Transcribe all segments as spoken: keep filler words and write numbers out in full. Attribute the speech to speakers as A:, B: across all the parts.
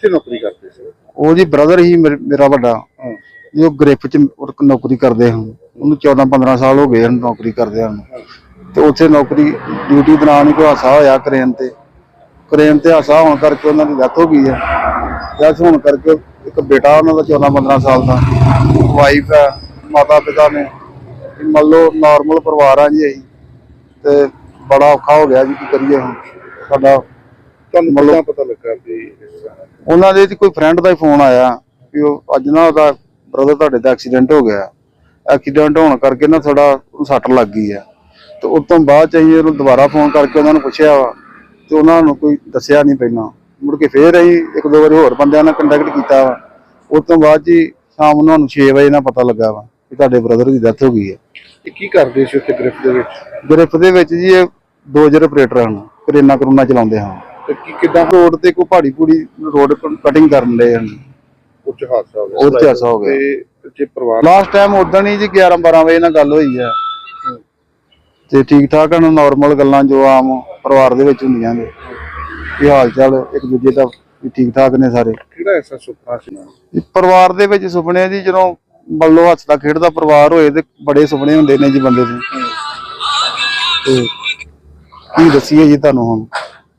A: ਕਿੱਥੇ ਨੌਕਰੀ ਕਰਦੇ ਸੀ?
B: ਉਹ ਜੀ ਬ੍ਰਦਰ ਹੀ ਮੇਰਾ ਵੱਡਾ, ਜੋ ਗ੍ਰਿਫ ਚ ਨੌਕਰੀ ਕਰਦੇ ਹਨ। ਉਹਨੂੰ ਚੌਦਾਂ ਪੰਦਰਾਂ ਸਾਲ ਹੋ ਗਏ ਹਨ ਨੌਕਰੀ ਕਰਦੇ ਹਨ। ਤੇ ਉੱਥੇ ਨੌਕਰੀ ਡਿਊਟੀ ਦੌਰਾਨ ਹੀ ਕੋਈ ਹਾਦਸਾ ਹੋਇਆ ਕਰੇਨ ਤੇ ਕਰੇਨ ਤੇ ਹਾਦਸਾ ਹੋਣ ਕਰਕੇ ਉਹਨਾਂ ਦੀ ਡੈਥ ਹੋ ਗਈ ਹੈ। ਡੈਥ ਹੋਣ ਕਰਕੇ ਇੱਕ ਬੇਟਾ ਉਹਨਾਂ ਦਾ ਚੌਦਾਂ ਪੰਦਰਾਂ ਸਾਲ ਦਾ, ਵਾਈਫ ਹੈ, ਮਾਤਾ ਪਿਤਾ ਨੇ। ਮੰਨ ਲਓ ਨੋਰਮਲ ਪਰਿਵਾਰ ਆ ਜੀ ਅਸੀਂ, ਤੇ ਬੜਾ ਔਖਾ ਹੋ ਗਿਆ ਜੀ। ਕੀ ਕਰੀਏ ਹੁਣ? ਸਾਡਾ
A: ਤੁਹਾਨੂੰ ਮਤਲਬ ਪਤਾ ਲੱਗਾ ਵੀ
B: ਉਹਨਾਂ ਦੇ ਕੋਈ ਫਰੈਂਡ ਦਾ ਹੀ ਫੋਨ ਆਇਆ ਵੀ ਉਹ ਅੱਜ ਨਾ ਉਹਦਾ ਬ੍ਰਦਰ ਤੁਹਾਡੇ ਦਾ ਐਕਸੀਡੈਂਟ ਹੋ ਗਿਆ। ਐਕਸੀਡੈਂਟ ਹੋਣ ਕਰਕੇ ਨਾ ਥੋੜਾ ਸੱਟ ਲੱਗ ਗਈ ਹੈ। ਤੇ ਉਸ ਤੋਂ ਬਾਅਦ ਚ ਅਸੀਂ ਉਹਨੂੰ ਦੁਬਾਰਾ ਫੋਨ ਕਰਕੇ ਉਹਨਾਂ ਨੂੰ ਪੁੱਛਿਆ ਵਾ, ਤੇ ਉਹਨਾਂ ਨੂੰ ਕੋਈ ਦੱਸਿਆ ਨਹੀਂ ਪਹਿਲਾਂ। ਮੁੜ ਕੇ ਫੇਰ ਅਸੀਂ ਇੱਕ ਦੋ ਵਾਰੀ ਹੋਰ ਬੰਦਿਆਂ ਨਾਲ ਕੰਟੈਕਟ ਕੀਤਾ ਵਾ। ਉਸ ਤੋਂ ਬਾਅਦ ਜੀ ਸ਼ਾਮ ਨੂੰ ਸਾਨੂੰ ਛੇ ਵਜੇ ਨਾਲ ਪਤਾ ਲੱਗਾ ਵਾ ਕਿ ਤੁਹਾਡੇ ਬ੍ਰਦਰ ਦੀ ਡੈਥ ਹੋ ਗਈ ਹੈ।
A: ਇਹ ਕੀ ਕਰਦੇ ਸੀ ਉੱਥੇ ਗ੍ਰਿਫ ਦੇ ਵਿੱਚ?
B: ਗ੍ਰਿਫ ਦੇ ਵਿੱਚ ਜੀ ਇਹ ਡੋਜ਼ਰ ਆਪਰੇਟਰ ਹਨ, ਕਰੇਨਾ ਕਰੂਨਾ ਚਲਾਉਂਦੇ ਹਨ।
A: ਤੇ ਕੀ ਕਿੱਦਾਂ
B: ਰੋਡ ਤੇ ਕੋਈ ਪਹਾੜੀ ਪੂੜੀ ਰੋਡ ਕਟਿੰਗ ਕਰਨ ਦੇ ਹਨ।
A: ਉੱਚ ਹਾਦਸਾ ਹੋ ਗਿਆ?
B: ਉਹ ਤੇ ਹਾਦਸਾ ਹੋ ਗਿਆ।
A: ਤੇ ਜੇ ਪਰਿਵਾਰ
B: ਲਾਸਟ ਟਾਈਮ ਉਦਣ ਹੀ ਜੀ ਗਿਆਰਾਂ ਬਾਰਾਂ ਵਜੇ ਨਾਲ ਗੱਲ ਹੋਈ ਹੈ। ਤੇ ਠੀਕ ਠਾਕ ਹਨ, ਨੋਰਮਲ ਗੱਲਾਂ ਜੋ ਆਮ ਪਰਿਵਾਰ ਦੇ ਵਿੱਚ ਹੁੰਦੀਆਂ ਨੇ, ਕੀ ਹਾਲ ਚਾਲ ਇੱਕ ਦੂਜੇ ਦਾ ਵੀ ਠੀਕ ਠਾਕ ਨੇ ਸਾਰੇ।
A: ਕਿਹੜਾ ਐਸਾ ਸੁਪਨਾ ਸੀ
B: ਪਰਿਵਾਰ ਦੇ ਵਿੱਚ? ਸੁਪਨੇ ਜੀ ਜਦੋਂ ਬੱਲੋ ਹੱਸਦਾ ਖੇਡਦਾ ਪਰਿਵਾਰ ਹੋਏ ਤੇ ਬੜੇ ਸੁਪਨੇ ਹੁੰਦੇ ਨੇ ਜੀ ਬੰਦੇ ਦੇ। ਤੇ ਕੀ ਦੱਸੀਏ ਜੀ ਤੁਹਾਨੂੰ ਹੁਣ?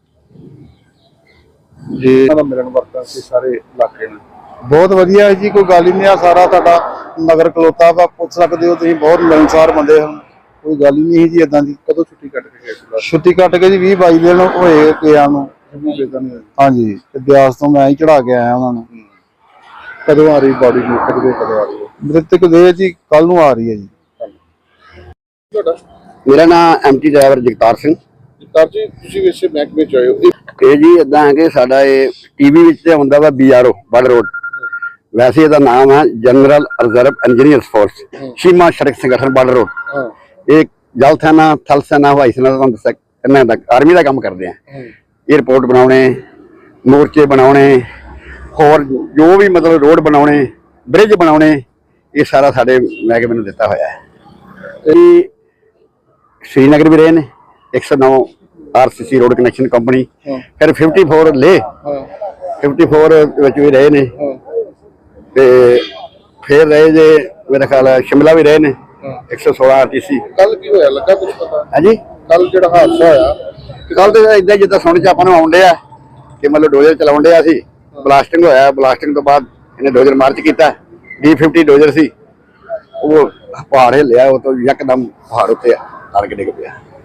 A: ਜੇ ਇਹਨਾਂ ਦਾ ਮਿਲਣ ਵਰਤਨ ਸੀ ਸਾਰੇ ਇਲਾਕੇ ਨੂੰ?
B: ਬਹੁਤ ਵਧੀਆ ਜੀ, ਕੋਈ ਗੱਲ ਹੀ ਨਹੀਂ ਆ। ਸਾਰਾ ਤੁਹਾਡਾ ਨਗਰ ਖਲੋਤਾ ਵਾ, ਪੁੱਛ ਸਕਦੇ ਹੋ ਤੁਸੀਂ। ਬਹੁਤ ਮਿਲਣਸਾਰ ਬੰਦੇ ਹਨ, ਕੋਈ ਗੱਲ ਹੀ ਨਹੀਂ ਜੀ ਏਦਾਂ ਦੀ।
A: ਕਦੋਂ ਛੁੱਟੀ ਕੱਟ ਕੇ ਗਏ ਸੀ?
B: ਛੁੱਟੀ ਕੱਟ ਕੇ ਜੀ ਵੀਹ ਬਾਈ ਦਿਨ ਹੋਏ ਗਿਆ ਨੂੰ। ਹਾਂਜੀ, ਤੇ ਬਿਆਸ ਤੋਂ ਮੈਂ ਹੀ ਚੜਾ ਕੇ ਆਇਆ ਉਹਨਾਂ ਨੂੰ।
A: ਕਦੋਂ ਆ ਰਹੀ ਬਾਡੀ ਨੂੰ? ਕਦੋਂ ਕਦੋਂ ਆ ਰਹੀ ਹੈ?
B: ਮ੍ਰਿਤਕ ਦੇ ਜੀ ਕੱਲ ਨੂੰ ਆ ਰਹੀ ਹੈ ਜੀ।
A: ਤੁਹਾਡਾ?
C: ਮੇਰਾ ਨਾਮ ਐਮਟੀ ਡਰਾਈਵਰ ਜਗਤਾਰ ਸਿੰਘ।
A: ਜਗਤਾਰ ਜੀ, ਤੁਸੀਂ ਵੈਸੇ ਮਹਿਕਮੇ ਚ ਆਏ ਹੋ।
C: ਇਹ ਜੀ ਇਦਾਂ ਹੈ ਕਿ ਸਾਡਾ ਇਹ ਟੀਵੀ ਵਿੱਚ ਤੇ ਹੁੰਦਾ ਵਾ ਬੀਆਰਓ ਬਲ ਰੋਡ, ਵੈਸੇ ਇਹਦਾ ਨਾਮ ਹੈ ਜਨਰਲ ਰਿਜ਼ਰਵ ਇੰਜੀਨੀਅਰਸ ਫੋਰਸ ਸੀਮਾ ਸੜਕ ਸੰਗਠਨ ਬਲ ਰੋਡ। ਇਹ ਜਲ ਸੈਨਾ, ਥਲ ਸੈਨਾ, ਹਵਾਈ ਸੈਨਾ ਦਾ ਤੁਹਾਨੂੰ ਦੱਸਿਆ ਕਿੰਨਾ ਦਾ ਆਰਮੀ ਦਾ ਕੰਮ ਕਰਦੇ ਆ। ਏਅਰਪੋਰਟ ਬਣਾਉਣੇ, ਮੋਰਚੇ ਬਣਾਉਣੇ, ਹੋਰ ਜੋ ਵੀ ਮਤਲਬ ਰੋਡ ਬਣਾਉਣੇ, ਬ੍ਰਿਜ ਬਣਾਉਣੇ, ਇਹ ਸਾਰਾ ਸਾਡੇ ਮਹਿਕਮੇ ਨੂੰ ਦਿੱਤਾ ਹੋਇਆ ਹੈ। ਇਹ श्रीनगर भी रहे ने एक सौ नौ R C C road connection company, फिर फिफ्टी फोर ले फिफ्टी फोर भी रहे ने, ते फिर रहे जे मेरा ख्याल है शिमला भी रहे ने एक सौ सोलह आर टी सी।
A: कल की होया लगा कुछ पता
C: है जी?
A: कल जो हादसा होया
C: कल तो इदा जिदा सुन च आपां नूं आउण डिया कि मतलब डोजर चलाउण डिया सी, ब्लास्टिंग होया। ब्लास्टिंग तो बाद इन्हें डोजर मार्च किया, डी फिफ्टी डोजर सी, वो पहाड़ हिलिया, वो तो यकदम पहाड़ उत्ते आड़ के डिग पिया।